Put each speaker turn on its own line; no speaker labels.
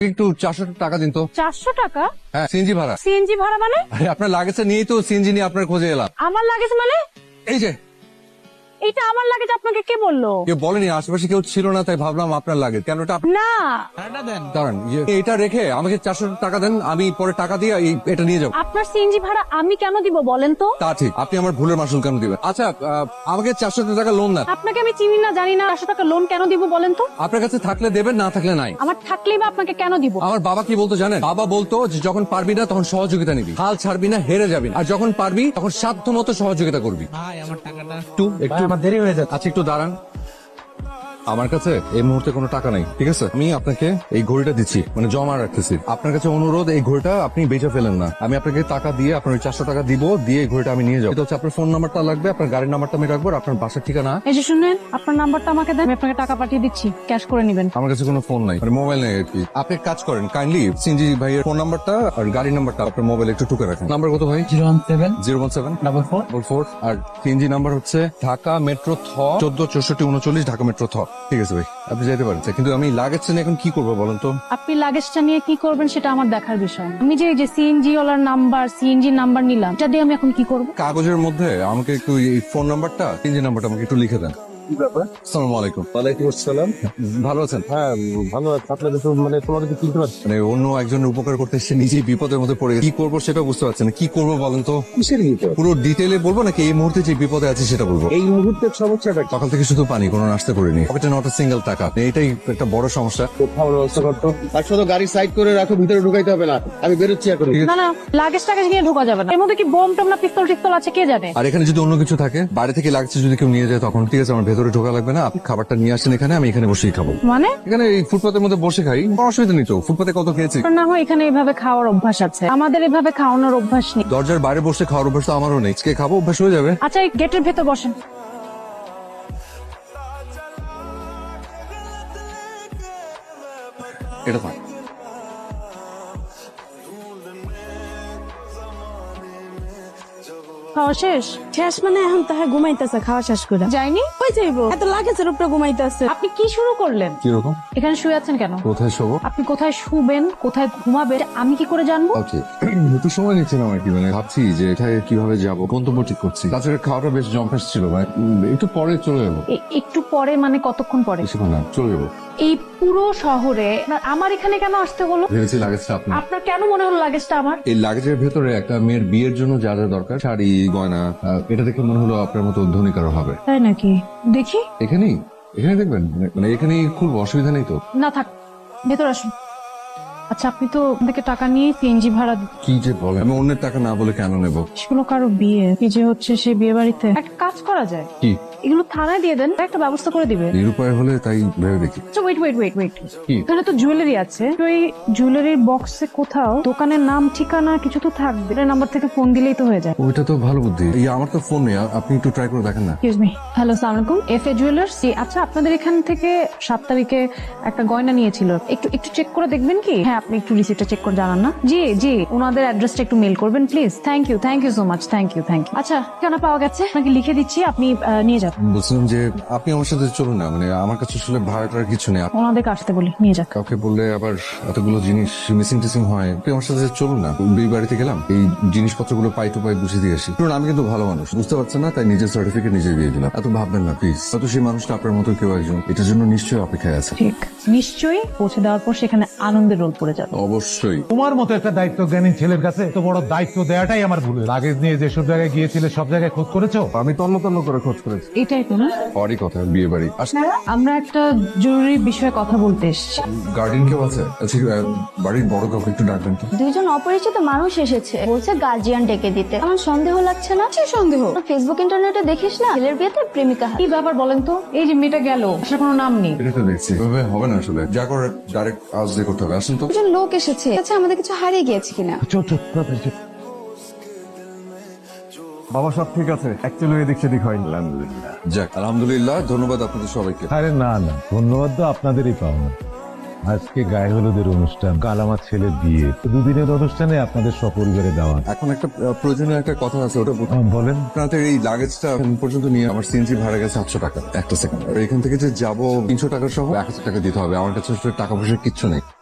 একটু 400 টাকা দিন তো।
400 টাকা?
হ্যাঁ, সিএনজি ভাড়া।
সিএনজি ভাড়া মানে?
আরে আপনার লাগেজটা নিয়েই তো সিএনজি নিয়ে আপনার খোঁজে এলাম।
আমার লাগেজ মানে?
এই যে
এটা আমার লাগেজ আপনাকে কে বললো?
কেউ বলেনি, আশেপাশে কেউ ছিল না, তাই ভাবলাম আপনার লাগেজ। কেন এটা
না
দাঁড়ান, এটা রেখে আমাকে 400 টাকা দেন, আমি পরে টাকা দিয়ে এটা নিয়ে যাবো।
আপনার সিএনজি ভাড়া আমি কেন দিব বলেন তো?
তা ঠিক, আপনি আমার ভুলের মাসুল কেন দিবেন? আচ্ছা, আমাকে 400 টাকা লোন দেন।
আপনাকে আমি চিনি না জানি না, 400 টাকা লোন কেন দিব বলেন তো?
আপনার কাছে থাকলে দেবেন, না থাকলে নাই।
আমার থাকলেই বা আপনাকে কেন দিব?
আমার বাবা কি বলতো জানেন? বাবা বলতো যে যখন পারবি না তখন সহযোগিতা নিবি, হাল ছাড়বি না, হেরে যাবি না। আর যখন পারবি তখন সাধ্য মতো সহযোগিতা করবি। একটু আমার দেরি হয়ে যাচ্ছে। আচ্ছা, একটু দাঁড়ান। আমার কাছে এই মুহূর্তে কোনো টাকা নাই, ঠিক আছে? আমি আপনাকে এই ঘড়িটা দিচ্ছি, মানে জমা রাখতেছি। আপনার কাছে অনুরোধ, এই ঘড়িটা আপনি বেচে ফেলেন না। আমি আপনাকে টাকা দিয়ে আপনার ওই 400 টাকা দিব, দিয়ে এই ঘড়িটা আমি নিয়ে যাবো। এটা হচ্ছে আপনার ফোন নাম্বারটা লাগবে, আপনার গাড়ির নাম্বারটা আমি রাখবো, আর আপনার বাসার ঠিকানা।
এই যে শুনেন, আপনার নাম্বারটা আমাকে দেন, আমি আপনাকে টাকা পাঠিয়ে দিচ্ছি, ক্যাশ করে নেবেন।
আমার কাছে কোনো ফোন নাই, মানে মোবাইল নেই আর কি। আপনি এক কাজ করেন, কাইন্ডলি সিনজি ভাইয়ের ফোন নাম্বারটা আর গাড়ির নাম্বারটা আপনার মোবাইলে একটু টুকে রাখেন। নাম্বার কত ভাই? 017 আর সিএনজি নাম্বার হচ্ছে ঢাকা মেট্রো থ 146439 ঢাকা মেট্রো থ। ঠিক আছে ভাই, আপনি যেতে পারেন। কিন্তু আমি লাগেজটা নিয়ে এখন কি করবো বলেন তো?
আপনি লাগেজটা নিয়ে কি করবেন সেটা আমার দেখার বিষয় না। আমি যে সিএনজি ওয়ালার নাম্বার, সিএনজি নাম্বার নিলাম, এটা দিয়ে আমি এখন কি করব?
কাগজের মধ্যে আমাকে একটু এই ফোন নাম্বারটা, সিএনজি নাম্বারটা আমাকে একটু লিখে দেন। আসসালামু আলাইকুম।
ওয়ালাইকুম আসসালাম।
ভালো আছেন?
হ্যাঁ, ভালো আছে। আপনাদের তো মানে তোমাকে তো চিনতে পারছি।
মানে অন্য একজনের উপকার করতে এসে নিজেই বিপদের মধ্যে পড়ে গেছে। কি করবো সেটা বুঝতে পারছেন না। কি করবো বলেন তো?
কিসের বিপদ?
পুরো ডিটেইলে বলবো নাকি এই মুহূর্তে যে বিপদে আছে সেটা বলবো?
এই মুহূর্তের সমস্যাটা কি?
সকাল থেকে শুধু পানি, কোনো নাস্তা করিনি, পকেটে নট সিঙ্গেল টাকা। এটাই একটা বড় সমস্যা।
কোথাও ব্যবস্থা করতো। আর শুধু গাড়ি সাইড করে রাখো, ভিতরে ঢুকাইতে হবে না। আমি বেরোচ্ছি এখন।
না না, লাগেজ টাগেজ নিয়ে ঢোকা যাবে না। এর মধ্যে কি বোম টম না পিস্তল টিস্তল আছে কে জানে?
আর এখানে যদি অন্য কিছু থাকে, বাইরে থেকে লাগছে যদি কেউ নিয়ে যায়, তখন ঠিক আছে, আমার ভেতরে ঢোকা লাগবে না। আপনি খাবারটা নিয়ে আসেন এখানে, আমি এখানে বসেই খাবো।
মানে
এখানে এই ফুটপাতের মধ্যে বসে খাই, কোনো অসুবিধা নেই তো। ফুটপাতে কত খেয়েছি।
আপনার না হয় এখানে এভাবে খাওয়ার অভ্যাস আছে, আমাদের এভাবে খাওয়ানোর অভ্যাস নেই।
দরজার বাইরে বসে খাওয়ার অভ্যাস তো আমারও নেই। আজকে খাবো, অভ্যাস হয়ে যাবে।
আচ্ছা, এই গেটের ভেতর বসেন।
এটা থাক।
খাওয়া শেষ?
শেষ মানে এখন তাহা ঘুমাইতেছে খাওয়া শেষ করে
যায়নি?
কই যাইবো এত লাগেজের উপরে ঘুমাইতেছে
আপনি কি শুরু করলেন?
কিরকম?
এখানে শুয়ে আছেন কেন?
কোথায় শোবো?
আপনি কোথায় শুবেন, কোথায় ঘুমাবেন আমি কি করে জানবো?
ওকে, একটু সময় নিচ্ছিলাম আর কি। মানে ভাবছি যে এটাই কিভাবে যাবো, গন্তব্য ঠিক করছি। তাছাড়া খাওয়াটা বেশ জম্পেস ছিল, মানে একটু পরে চলে যাবো।
একটু পরে মানে কতক্ষণ পরে?
বেশিক্ষণ না, চলে যাবো।
এই পুরো শহরে আমার এখানে কেন আসতে হলো?
ভেবেছি লাগেজটা আপনার।
আপনার কেন মনে হলো লাগেজটা আমার?
এই লাগেজের ভেতরে একটা মেয়ের বিয়ের জন্য যা যা দরকার, শাড়ি, গয়না, এটা দেখে মনে হলো আপনার মতো ধনী কারো হবে।
তাই নাকি? দেখি।
এখানেই এখানে দেখবেন, মানে এখানেই খুব অসুবিধা নেই তো?
না থাক, ভেতর আসুন। আচ্ছা, আপনি তো থেকে টাকা নিয়ে সিএনজি ভাড়া
কি যে বলে, আমি অন্যের টাকা না বলে কেন নেব?
সেগুলো কারো বিয়ে, কি যে হচ্ছে সেই বিয়ে বাড়িতে একটা কাজ করা যায়,
কি?
এগুলো থানায় দিয়ে দেন, একটা ব্যবস্থা করে দিবে।
নিরুপায় হলে তাই ভেবে দেখি।
আচ্ছা, ওয়েট ওয়েট ওয়েট ওয়েট,
কি?
এখানে তো জুয়েলারি আছে, তো এই জুয়েলারির বক্সে কোথাও দোকানের নাম ঠিকানা কিছু তো থাকবে, এর নাম্বার থেকে ফোন দিলেই তো হয়ে যায়।
ওইটা তো ভালো বুদ্ধি। এই আমার তো ফোন নেই, আপনি একটু ট্রাই করে দেখেন না।
এক্সকিউজ মি, হ্যালো, আসসালামু আলাইকুম, এফএ জুয়েলার্স। জি, আচ্ছা, আপনাদের এখান থেকে 7 তারিখে একটা গয়না নিয়েছিল, একটু একটু চেক করে দেখবেন কি? হ্যাঁ, আপনি একটু রিসিপ্টটা চেক করে জানান না। জি জি, ওনাদের অ্যাড্রেসটা একটু মেল করবেন please. Thank you so much, thank you. আচ্ছা, ঠিকানা পাওয়া গেছে, আপনাকে লিখে দিচ্ছি, আপনি নিয়ে যান।
বলছিলাম যে আপনি আমার সাথে চলুন না, মানে আমার কাছে আসলে ভাড়াটার কিছু নেই।
ওনাদেরকে আসতে বলি, নিয়ে যান।
কাউকে বললে আবার এতগুলো জিনিস মিসিং টিসিং হয়। আপনি আমার সাথে চলুন না, বিয়ে বাড়িতে গেলাম, এই জিনিসপত্রগুলো পাই টু পাই বুঝে দিয়ে আসি। শুনুন, আমি কিন্তু ভালো মানুষ, বুঝতে পারছেন না, তাই নিজের সার্টিফিকেট নিজে দিয়ে দিলাম। এত ভাববেন না প্লিজ। হয়তো সেই মানুষটা আপনার মতো কেউ একজন এটার জন্য নিশ্চয়ই অপেক্ষায় আছে।
ঠিক, নিশ্চয়ই পৌঁছে দেওয়ার পর সেখানে আনন্দের রোল পড়ে যাবে।
অবশ্যই।
তোমার মতো একটা দায়িত্বজ্ঞানী ছেলের কাছে তো বড় দায়িত্ব দেওয়াটাই আমার ভুল। লাগেজ নিয়ে যেসব জায়গায় গিয়েছিলে সব জায়গায় খোঁজ করেছো?
আমি তন্ন তন্ন করে খোঁজ করেছি।
এটাই তো না?
হরই কথা, বিয়ে বাড়ি।
আমরা একটা জরুরি বিষয়ে কথা বলতে এসেছি।
গার্ডিয়ান কেউ আছে? আচ্ছা, বাড়ির বড় কাউকে একটু ডাকবেন তো।
দুইজন অপরিচিত মানুষ এসেছে, বলছে গার্জিয়ান ডেকে দিতে। আমার সন্দেহ লাগছে না? সে সন্দেহ ফেসবুক ইন্টারনেটে দেখিস না, ছেলের বিয়েতে প্রেমিকা হাত।
কি ব্যাপার বলেন তো? এই যে মেয়েটা গেল, আসার কোনো নাম নেই।
এটা তো দেখছি এভাবে হবে না আসলে, যা করে ডাইরেক্ট আজ দিয়ে করতে হবে। আসুন তো।
দুজন লোক এসেছে, আচ্ছা আমাদের কিছু হারিয়ে গিয়েছে কিনা?
চল চল তাড়াতাড়ি চল।
বাবা সব ঠিক আছে, অ্যাকচুয়ালি এদিক সেদিক হয়নি। আলহামদুলিল্লাহ।
যাক, আলহামদুলিল্লাহ, ধন্যবাদ আপনাদের সবাইকে।
আরে না না, ধন্যবাদ তো আপনাদেরই পাওনা। আজকে গায়ে হলুদের অনুষ্ঠান, কাল আমার ছেলের বিয়ে, দুদিনের অনুষ্ঠানে আপনাদের সপরিবারে দাওয়াত।
এখন একটা প্রয়োজনীয় একটা কথা আছে, ওটা
বলেন।
আপনাদের এই লাগেজটা এখন পর্যন্ত নিয়ে আমার সিএনজি ভাড়া গেছে 700 টাকা। একটা সেকেন্ড, এখান থেকে যে যাবো 300 টাকা সহ 1000 টাকা দিতে হবে। আমার কাছে আসলে টাকা পয়সা কিচ্ছু নেই।